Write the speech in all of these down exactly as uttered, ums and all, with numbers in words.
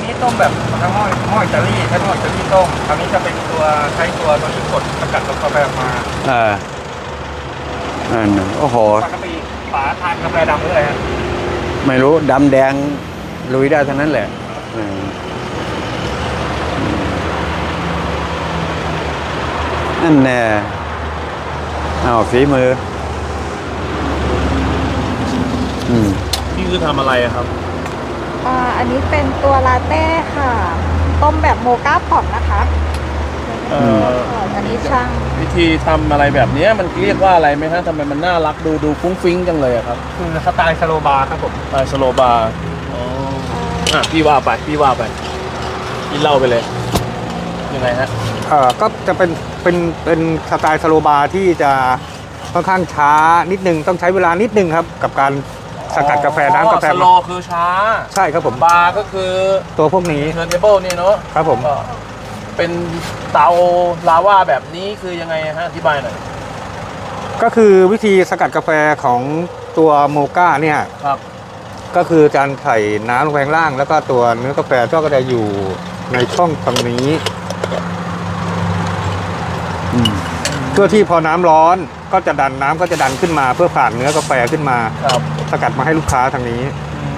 นี้ต้มแบบทั้งหม้อหม้ออิตาลีใช้หม้ออิตาลีต้มคราวนี้จะเป็นตัวใช้ตัวตัวที่กดสกัดกาแฟออกมาเอออันโอ้โหปกติฝาทานกาแฟดำหรืออะไรฮะไม่รู้ดำแดงลุยได้ทั้งนั้นแหละนั่นแน่เอาฝีมืออืมนี่คือทำอะไรครับอ่าอันนี้เป็นตัวลาเต้ค่ะต้มแบบโมก้าพอตนะคะเอ่ออันนี้ช่างวิธีทำอะไรแบบนี้มันเรียกว่าอะไรไหมฮะทำไมมันน่ารักดูดูฟุ้งฟิ้งจังเลยครับคือสไตล์สโลบาร์ครับผมสไตล์สโลบาร์อ๋ออ่ะพี่ว่าไปพี่ว่าไปพี่เล่าไปเลยยังไงฮะเอ่อก็จะเป็นเป็นเป็นสไตล์สโลบาร์ที่จะค่อนข้างช้านิดนึงต้องใช้เวลานิดนึงครับกับการสกัดกาแฟน้ำกาแฟสโลคือช้าใช่ครับผมบาร์ก็คือตัวพวกนี้เทิร์นเทเบิลนี่เนาะครับผมเป็นเตาลาวาแบบนี้คือยังไงฮะอธิบายหน่อยก็คือวิธีสกัดกาแฟของตัวโมก้าเนี่ยครับก็คือการใส่น้ำลงไปข้างล่างแล้วก็ตัวเนื้อกาแฟก็จะอยู่ในช่องตรงนี้เพื่อที่พอน้ำร้อนก็จะดันน้ำก็จะดันขึ้นมาเพื่อผ่านเนื้อกาแฟขึ้นมาครับสกัดมาให้ลูกค้าทางนี้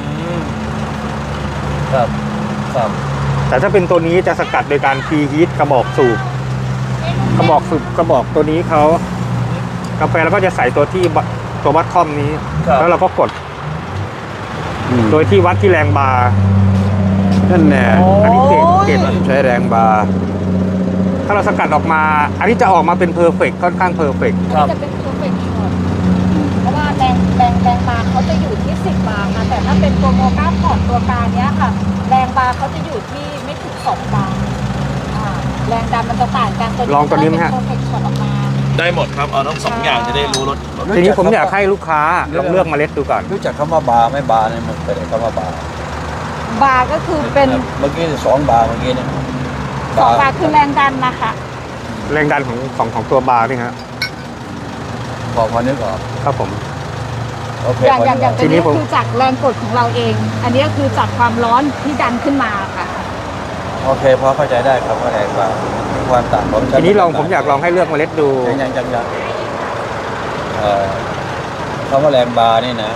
ครับครับแต่ถ้าเป็นตัวนี้จะสกัดโดยการพรีฮีทกระบอกสูบกระบอกสูบกระบอกตัวนี้เขากาแฟแล้วก็จะใส่ตัวที่ตัววัดคอมนี้แล้วเราก็กดโดยที่วัดที่แรงบาร์นั่นแน่อันนี้เกรดเกรดใช้แรงบาร์ถ้าเราสกัดออกมาอันนี้จะออกมาเป็นเพอร์เฟกต์ค่อนข้างเพอร์เฟกต์จะเป็นเพอร์เฟกต์หมดเพราะว่าแรงแรงแรงบาร์เขาจะอยู่ที่สิบบาร์ค่ะแต่ถ้าเป็นตัวโมก้าพอร์ตตัวกลางเนี้ยค่ะแรงบาร์เขาจะอยู่ที่ไม่ถึงสองบาร์แรงดันมันจะต่างกันลองตัวนี้ไหมฮะได้หมดครับเอาทั้งสองอย่างจะได้รู้รสทีนี้ผมอยากให้ลูกค้าลองเลือกเมล็ดดูก่อนรู้จักคำว่าบาร์ไม่บาร์เนี่ยมันเป็นคำว่าบาร์บาร์ก็คือเป็นเมื่อกี้สองบาร์เมื่อกี้เนี่ยสองบาร์คือแรงดันนะคะแรงดันของของของตัวบาร์นี่ฮะพอพอนึกออกครับผมอย่างอย่างอย่างตัวนี้คือจากแรงกดของเราเองอันนี้ก็คือจากความร้อนที่ดันขึ้นมาค่ะโอเคพอเข้าใจได้ครับว่าแรงบาร์มีความต่างของทีนี้ลองผมอยากลองให้เลือกเมล็ดดูยังยังยังยังคำว่าแรงบาร์นี่นะ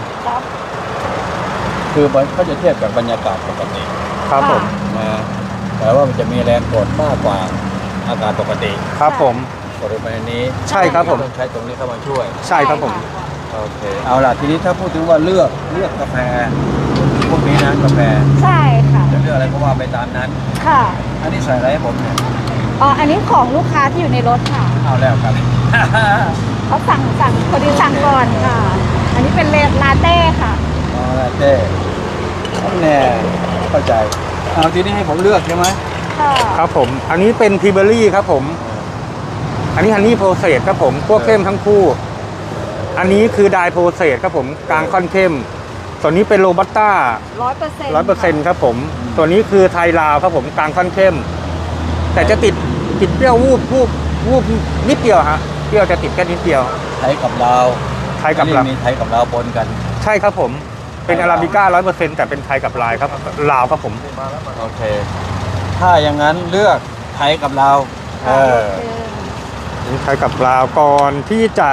คือมันก็จะเทียบกับบรรยากาศปกติครับผมนะแต่ว่ามันจะมีแรงกดมากกว่าอากาศปกติครับผมกดลงไปในนี้ใช่ครับผมต้องใช้ตรงนี้เข้ามาช่วยใช่ครับผมโอเคเอาล่ะทีนี้ถ้าพูดถึงว่าเลือกเลือกกาแฟพวกนี้นะกาแฟใช่ค่ะจะเลือกอะไรก็ว่าไปตามนั้นค่ะอันนี้ใส่อะไรให้ผมเนี่ยอ๋ออันนี้ของลูกค้าที่อยู่ในรถค่ะเอาแล้วครับเขาสั่งสั่งพอดีสั่งก่อนค่ะอันนี้เป็นเลลาเต้ค่ะอ๋อลาเต้แน่เข้าใจเอาทีนี้ให้ผมเลือกใช่ไหมค่ะครับผมอันนี้เป็นพีเบอรี่ครับผมอันนี้ฮันนี่โปรเซสครับผมพวกเข้มทั้งคู่อันนี้คือไดโปรเซสครับผมกลางค่อนเข้มตัวนี้เป็นโรบัสต้าร้อยเปอร์เซ็นต์ร้อยเปอร์เซ็นต์ครับผมตัวนี้คือไทยลาวครับผมกลางค่อนเข้มแต่จะติดติดเปรี้ยววูบวูบวูบนิดเดียวฮะเปรี้ยวจะติดแค่นิดเดียวไทยกับลาวไทยกับลาวมีไทยกับลาวปนกันใช่ครับผมเป็นอาราบิก้าร้อยเปอร์เซ็นต์แต่เป็นไทยกับลายครับลาวครับผมโอเคถ้าอย่างนั้นเลือกไทยกับลาวเออนี่ไทยกับลาวก่อนที่จะ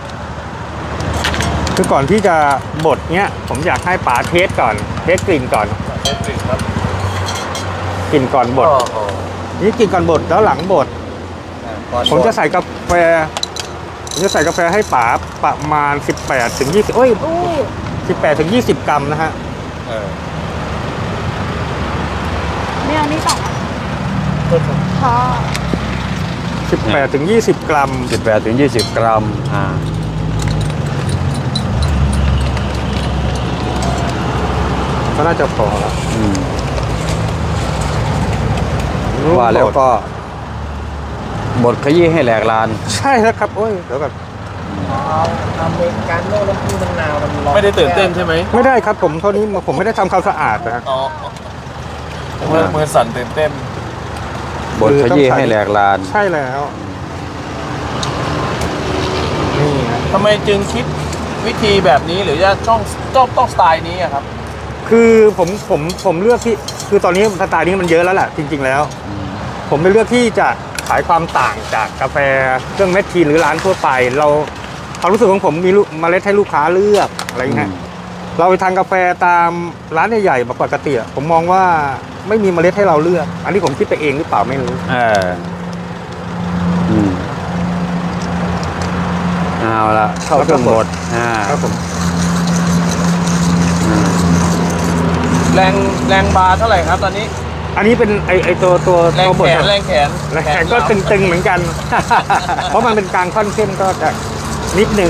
คือก่อนที่จะบดเนี้ยผมอยากให้ป๋าเทสก่อนเทสกลิ่นก่อนเทสกลิ่นครับกลิ่นก่อนบดนี่กลิ่นก่อนบดแล้วหลังบดผมจะใส่กาแฟผมจะใส่กาแฟให้ป๋าประมาณสิบแปดถึงยี่สิบโอ้ยสิบแปดถึงยี่สิบกรัมนะฮะเนี่ยนี่ต่อค่ะสิบแปดถึงยี่สิบกรัมสิบแปดถึงยี่สิบกรัมอ่าก็น่าจะพอแล้วว่าแล้วก็บดขยี้ให้แหลกลานใช่แล้วครับโอ้ยเดี๋ยวก่อนอเมริกาโน่น้ำผึ้งมะนาวมันร้อนไม่ได้ตื่นเต้นใช่ไหมไม่ได้ครับผมเท่านี้ผมไม่ได้ทำความสะอาดนะอ๋อมือมือสั่นตื่นเต้นบดขยี้ให้แหลกลานใช่แล้วนี่ทำไมจึงคิดวิธีแบบนี้หรือจะต้องต้องต้องสไตล์นี้ครับคือผมผมผมเลือกที่คือตอนนี้สไตล์นี้มันเยอะแล้วแหละจริง ๆ แล้ว ผมเลยเลือกที่จะขายความต่างจากกาแฟเครื่องเม็ดทีหรือร้านทั่วไป เราความรู้สึกของผมมีลูกเมล็ดให้ลูกค้าเลือกอะไรอย่างเงี้ยเราไปทานกาแฟตามร้านใหญ่ๆปกติอะผมมองว่าไม่มีเมล็ดให้เราเลือก อันนี้ผมคิดไปเองหรือเปล่าไม่รู้เอออืมเอาละเข้าเครื่องบดอ่าครับผมอืมแรงแรงบาร์เท่าไหร่ครับตอนนี้อันนี้เป็นไอไอตัวตัวแรงตัวบแขดนแรงแขนแรงก็ตึงๆเหมือนกัน เพราะมันเป็นกลางค่อนเข้มก็จะนิดนึง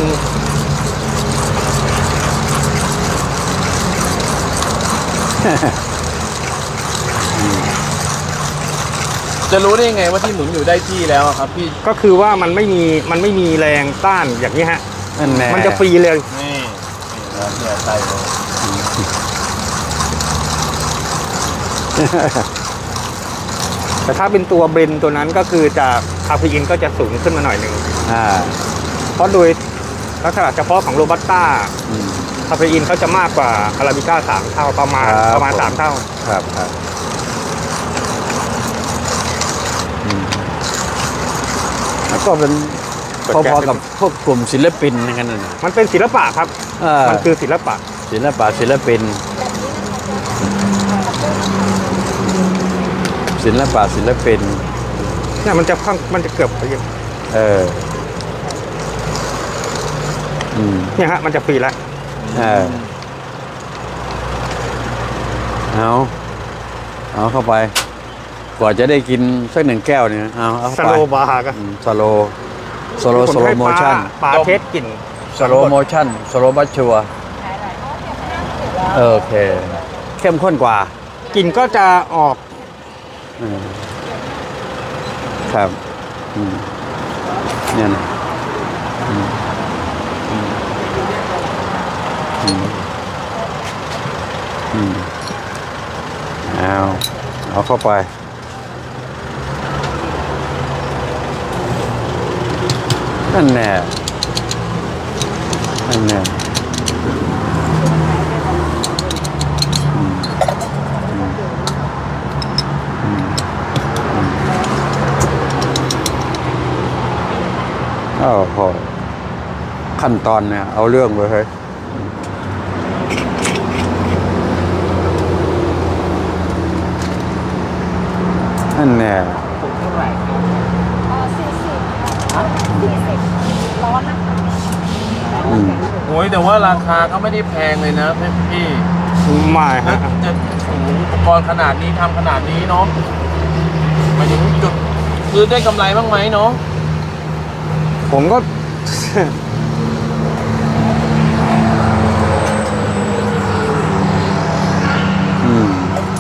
จะรู้ได้ยังไงว่าที่หมุนอยู่ได้ที่แล้วอะครับพี่ก็คือว่ามันไม่มีมันไม่มีแรงต้านอย่างนี้ฮะนั่นแน่มันจะฟรีเลยนี่แล้วเนี่ยใส่เลยแต่ถ้าเป็นตัวเบรนตัวนั้นก็คือจะคาเฟอีนก็จะสูงขึ้นมาหน่อยหนึ่งอ่าเพราะโดยลักษณะเฉพาะของโรบัสต้าอืมคาเฟอีนเขาจะมากกว่าอาราบิก้าสามเท่าประมาณครับประมาณผมสามเท่าครับครับอืมแล้วก็เป็นพอๆกับพวกกลุ่มศิลปินนั่นกันน่ะมันเป็นศิลปะครับเออมันคือศิลปะศิลปะศิลปิน ศิลปะศิลปินเนี่ยมันจะข้างมันจะเกือบเออ อืมเนี่ยฮะมันจะฟรีแล้วเออ เอาเอาเข้าไป กว่าจะได้กินสักหนึ่งแก้วเนี่ยเอาเอาสเข้าไปโลบาร์ก็อืมสโลสโลผสโลให้โมปลาชั่นปลาเทสกลิ่นสโลโมชั่นสโลบัชชัวโอเค เข้มข้นกว่ากลิ่นก็จะออกอืมครับอืมเนี่ยนะอืมอืมอืมอืมเอาเอาเข้าไป นั่นแน่นั่นแน่อืมอืมอืมอืมโอ้โหขั้นตอนเนี่ย เอาเรื่องเลยเฮ้ยนั่นแน่อ๋อสี่สิบค่ะสี่สิบร้อนนะคะอืมโอ้ยแต่ว่าราคาก็ไม่ได้แพงเลยนะพี่ไม่ฮะจะโอ้โหอุปกรณ์ขนาดนี้ทำขนาดนี้เนาะหมายถึงจุดคือได้กำไรบ้างไหมเนาะผมก็อืม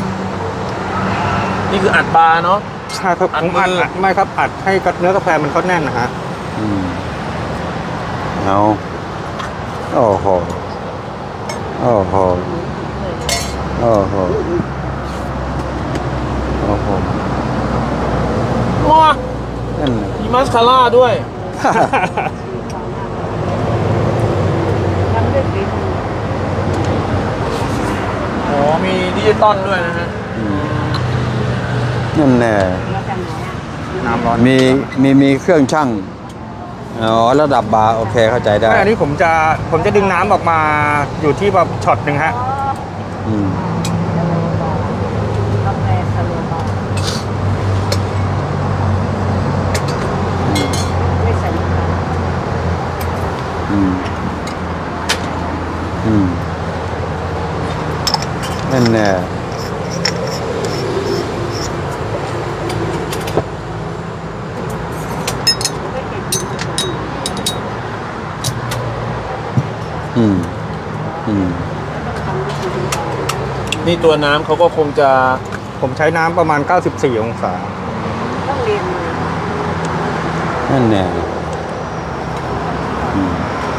นี่คืออัดบาร์เนาะใช่ครับอัดผมอัดมืออัดไม่ครับอัดให้เนื้อกาแฟมันเขาแน่นนะฮะอืมเอาโอ้โหโอ้โหโอ้โหโอ้โหว้านั่นน่ะมีมัสคาร่าด้วย อ๋อมีดิจิตอลด้วยนะฮะอืมนั่นแน่น้ำร้อนมีมีมีเครื่องชั่งอ๋อระดับบาร์โอเคเข้าใจได้ไม่อันนี้ผมจะผมจะดึงน้ำออกมาอยู่ที่แบบช็อตหนึ่งฮะอืมกาแฟสโลบาร์ไม่ใส่น้ำตาลอืมอืมนั่นแน่อืมอืมนี่ตัวน้ำเขาก็คงจะผมใช้น้ำประมาณ เก้าสิบสี่ องศาต้องเรียนมานั่นแน่อืม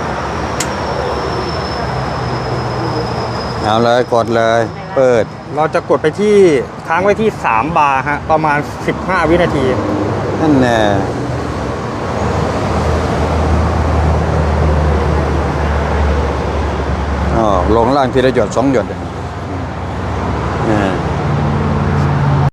เอาเลยกดเลย เปิดเราจะกดไปที่ค้างไว้ที่ สาม บาร์ฮะประมาณ สิบห้า วินาทีนั่นแน่อ๋อลงล่างทีละหยดสองหยด